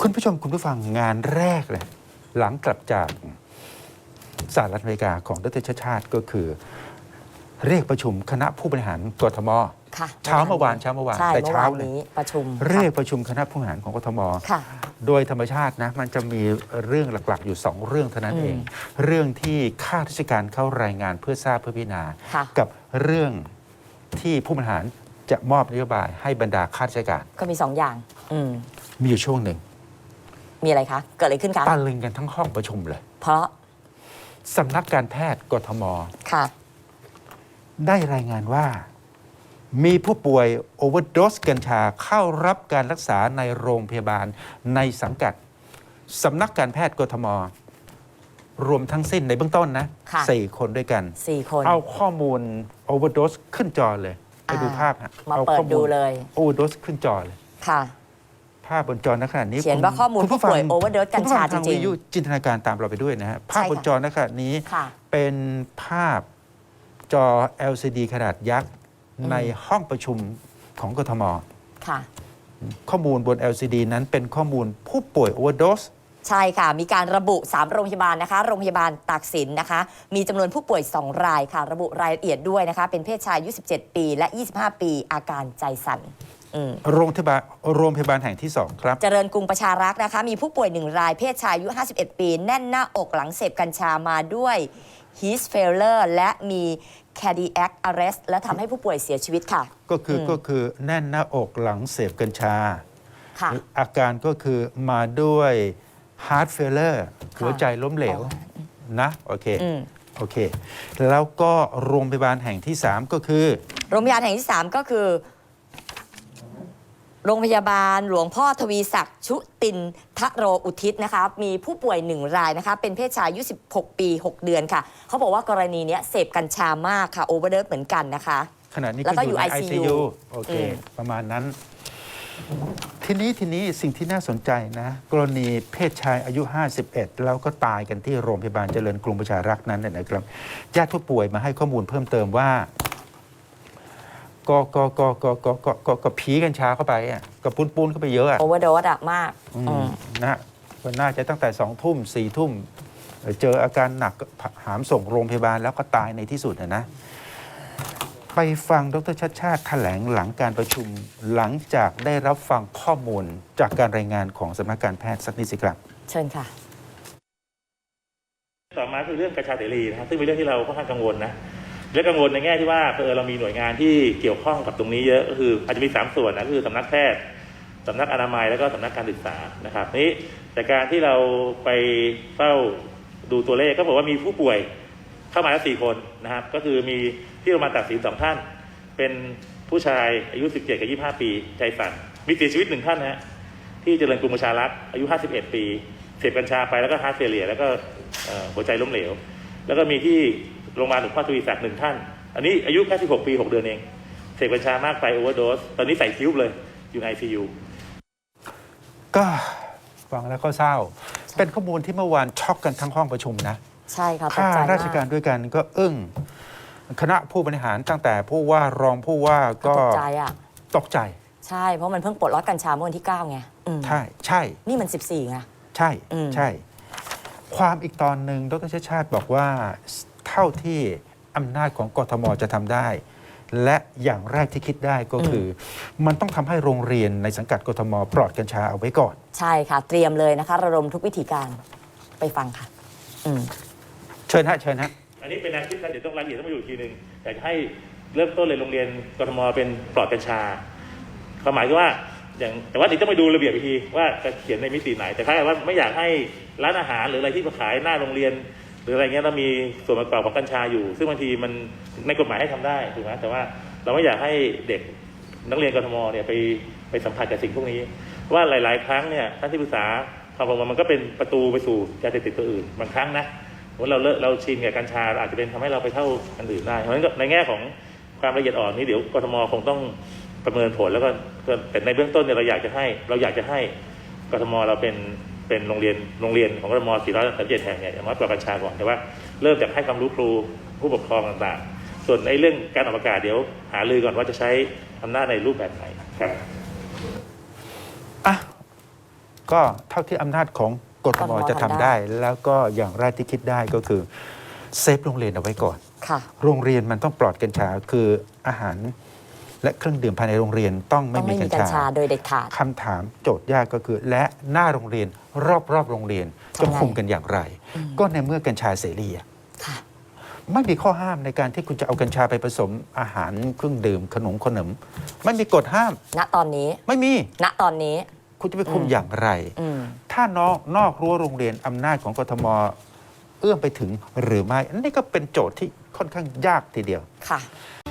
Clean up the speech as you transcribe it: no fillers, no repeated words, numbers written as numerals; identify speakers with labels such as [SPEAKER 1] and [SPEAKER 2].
[SPEAKER 1] คุณผู้ชมคุณผู้ฟังงานแรกเลยหลังกลับจากสหรัฐอเมริกาของดร.ชาติชาติก็คือเรียกประชุมคณะผู้บริหารกทมเช้าเมื่อวานแต่เช้านี้
[SPEAKER 2] ประชุม
[SPEAKER 1] เรียกประชุมคณะผู้บริหารของกทมโดยธรรมชาตินะมันจะมีเรื่องหลักๆอยู่2เรื่องเท่านั้นเองเรื่องที่ข้าราชการเข้ารายงานเพื่อทราบเพื่อพิจารณากับเรื่องที่ผู้บริหารจะมอบนโยบายให้บรรดาข้าราชการ
[SPEAKER 2] ก็มี2อย่าง
[SPEAKER 1] มีอยู่ช่วงหนึ่ง
[SPEAKER 2] มีอะไรคะเกิดอะไรขึ้นคะ
[SPEAKER 1] ตะลึงกันทั้งห้องประชุมเลย
[SPEAKER 2] เพราะ
[SPEAKER 1] สำนักการแพทย์กทมได้รายงานว่ามีผู้ป่วยโอเวอร์โดสกัญชาเข้ารับการรักษาในโรงพยาบาลในสังกัดสำนักการแพทย์กทมรวมทั้งสิ้นในเบื้องต้นนะ4 คนด้วยกัน
[SPEAKER 2] 4 คน
[SPEAKER 1] เอาข้อมูลโอเวอร์โดสขึ้นจอเลยไปดูภาพฮะ
[SPEAKER 2] มาเปิดดูเลย
[SPEAKER 1] โอเวอร์โดสขึ้นจอเลย
[SPEAKER 2] ค่ะ
[SPEAKER 1] ภาพบนจอณขณะนี้
[SPEAKER 2] เขียนว่าข้อมูลผู้ป่วยโอเวอร์โดสกัญชาจริง
[SPEAKER 1] ๆจินตนาการตามเราไปด้วยนะฮะภาพบนจอณขณะนี้เป็นภาพจอ LCD ขนาดยักษ์ในห้องประชุมของกทมข้อมูลบน LCD นั้นเป็นข้อมูลผู้ป่วยโอเวอร์โดส
[SPEAKER 2] ใช่ค่ะมีการระบุ3โรงพยาบาลนะคะโรงพยาบาลตากสินนะคะมีจำนวนผู้ป่วย2 รายค่ะระบุรายละเอียดด้วยนะคะเป็นเพศชายอายุ17 ปีและ25 ปีอาการใจสั่น
[SPEAKER 1] โรงพยาบาลแห่งที่2ครับ
[SPEAKER 2] เจริญกรุงประชารักษ์นะคะมีผู้ป่วย1 รายเพศชายอายุ51 ปีแน่นหน้าอกหลังเสพกัญชามาด้วย heat failure และมี cardiac arrest และทำให้ผู้ป่วยเสียชีวิตค่ะ
[SPEAKER 1] ก็คือแน่นหน้าอกหลังเสพกัญชาอาการก็คือมาด้วย heart failure หัวใจล้มเหลวนะโอเคแล้วก็โรงพยาบาลแห่งที่3ก็คือ
[SPEAKER 2] โรงพยาบาลแห่งที่3ก็คือโรงพยาบาลหลวงพ่อทวีศักดิ์ชุตินทโรอุทิศนะคะมีผู้ป่วย1 รายนะคะเป็นเพศชายอายุ16 ปี 6 เดือนค่ะเขาบอกว่ากรณีนี้เสพกัญชามากค่ะโอเวอร์เดสเหมือนกันนะคะ
[SPEAKER 1] ขณะนี้ก็อยู่ใน ICU โอเคประมาณนั้นทีนี้สิ่งที่น่าสนใจนะกรณีเพศชายอายุ51แล้วก็ตายกันที่โรงพยาบาลเจริญกรุงประชารักษ์นั้นนะครับญาติผู้ป่วยมาให้ข้อมูลเพิ่มเติมว่าก็ผีกัญชาเข้าไปอ่ะก็ปูนเข้าไปเยอะอ่ะ
[SPEAKER 2] โอเวอร์โดสอ่ะมาก
[SPEAKER 1] นะก็น่าจะตั้งแต่2 ทุ่ม4 ทุ่มเจออาการหนักหามส่งโรงพยาบาลแล้วก็ตายในที่สุดนะไปฟังดร.ชาติชาติแถลงหลังการประชุมหลังจากได้รับฟังข้อมูลจากการรายงานของสำนักการแพทย์สักนิดสิครับ
[SPEAKER 2] เชิญค่ะ
[SPEAKER 3] ต่อมาคือเรื่องกัญชาเสรีนะครับซึ่งเป็นเรื่องที่เราค่อนข้างกังวลนะและกังวลในแง่ที่ว่าเรามีหน่วยงานที่เกี่ยวข้องกับตรงนี้เยอะก็คืออาจจะมี3 ส่วนนะคือสำนักแพทย์สำนักอนามัยแล้วก็สำนักการศึกษานะครับนี้แต่การที่เราไปเฝ้าดูตัวเลขก็บอกว่ามีผู้ป่วยเข้ามาแล้ว4 คนนะครับก็คือมีที่โรงพยาบาลตากสิน2 ท่านเป็นผู้ชายอายุ17 กับ 25 ปีใจสั่นมีเสียชีวิต1 ท่านนะที่เจริญกรุงประชารักษ์อายุ51 ปีเสพกัญชาไปแล้วก็ฮาร์ทเฟลเลียร์แล้วก็หัวใจล้มเหลวแล้วก็มีที่โรงพยาบาลหลวงพ่อทวีศักดิ์1 ท่านอันนี้อายุแค่16 ปี 6 เดือนเองเสพกัญชามากไปโอเวอร์โดสตอนนี้ใส่คิ้วเลยอยู่ใน ICU
[SPEAKER 1] ก็ฟังแล้วก็เศร้าเป็นข้อมูลที่เมื่อวานช็อกกันทั้งห้องประชุมนะ
[SPEAKER 2] ใช่ค่ะ
[SPEAKER 1] ข้าราชการด้วยกันก็คณะผู้บริหารตั้งแต่ผู้ว่ารองผู้ว่าก็ตกใจ
[SPEAKER 2] ใช่เพราะมันเพิ่งปลดล็อกกัญชาเมื่อวันที่9ไง
[SPEAKER 1] ใช่
[SPEAKER 2] นี่มัน14ไง
[SPEAKER 1] ใช่ความอีกตอนหนึ่งดร.ชาติชาติบอกว่าเท่าที่อำนาจของกทมจะทำได้และอย่างแรกที่คิดได้ก็คือมันต้องทำให้โรงเรียนในสังกัดกทมปลอดกัญชาเอาไว้ก่อน
[SPEAKER 2] ใช่ค่ะเตรียมเลยนะคะระดมทุกวิธีการไปฟังค่ะ
[SPEAKER 1] เชิญฮะ
[SPEAKER 3] อันนี้เป็นแนวคิดนะเดี๋ยวต้องรายละเอียดต้องมาอยู่ทีนึงอยากให้เริ่มต้นเลยโรงเรียนกทมเป็นปลอดกัญชาความหมายก็ว่าแต่ว่าเดี๋ยวต้องไปดูระเบียบอีกทีว่าจะเขียนในมิติไหนแต่ถ้าว่าไม่อยากให้ร้านอาหารหรืออะไรที่มาขายหน้าโรงเรียนหรืออะไรเงี้ยเรามีส่วนประกอบของกัญชาอยู่ซึ่งบางทีมันในกฎหมายให้ทำได้ถูกไหมแต่ว่าเราไม่อยากให้เด็กนักเรียนกทมเนี่ยไปสัมผัสกับสิ่งพวกนี้ว่าหลายๆครั้งเนี่ยท่านที่ปรึกษาความบอกว่ามันก็เป็นประตูไปสู่ยาเสพติดตัวอื่นบางครั้งนะว่าเราชินกับกัญชาอาจจะเป็นทำให้เราไปเท่าอันอื่นได้เพราะฉะนั้นในแง่ของความละเอียดอ่อนนี้เดี๋ยวกทมคงต้องประเมินผลแล้วก็แต่ในเบื้องต้นเนี่ยเราอยากจะให้กทมเราเป็นโรงเรียนของกทม437 แห่งเนี่ยอย่างน้อยปลอดกัญชาก่อนแต่ว่าเริ่มจากให้ความรู้ครูผู้ปกครองต่างๆส่วนในเรื่องการออกประกาศเดี๋ยวหารือก่อนว่าจะใช้อำนาจในรูปแบบไหนครับ
[SPEAKER 1] กก็เท่าที่อำนาจของกทมจะทำได้ แล้วก็อย่างแรกที่คิดได้ก็คือเซฟโรงเรียนเอาไว้ก่อน
[SPEAKER 2] ค่ะ
[SPEAKER 1] โรงเรียนมันต้องปลอดกัญชาคืออาหารและเครื่องดื่มภายในโรงเรียนต้อง
[SPEAKER 2] ต้
[SPEAKER 1] ไม่
[SPEAKER 2] อง
[SPEAKER 1] มี
[SPEAKER 2] ไม่
[SPEAKER 1] กั
[SPEAKER 2] มี
[SPEAKER 1] ญ
[SPEAKER 2] กัญ
[SPEAKER 1] ชา
[SPEAKER 2] ชาโดยเด็ดขาด
[SPEAKER 1] คำถามโจทย์ยากก็คือ และหน้าโรงเรียนรอบโรงเรียนจะ
[SPEAKER 2] ทำไง
[SPEAKER 1] คุมกันอย่างไร ก็ในเมื่อกัญชาเสรีอะ
[SPEAKER 2] ค่ะ
[SPEAKER 1] ไม่มีข้อห้ามในการที่คุณจะเอากัญชาไปผสมอาหารเครื่องดื่มขนมไม่มีกฎห้าม
[SPEAKER 2] ณตอนนี้
[SPEAKER 1] ไม่มี
[SPEAKER 2] ณตอนนี้
[SPEAKER 1] คุณจะไปคุมอย่างไร
[SPEAKER 2] อืม
[SPEAKER 1] ถ้านอกรั้วโรงเรียนอำนาจของกทมเอื้อมไปถึงหรือไม่อันนี้ก็เป็นโจทย์ที่ค่อนข้างยากทีเดียว
[SPEAKER 2] ค่ะ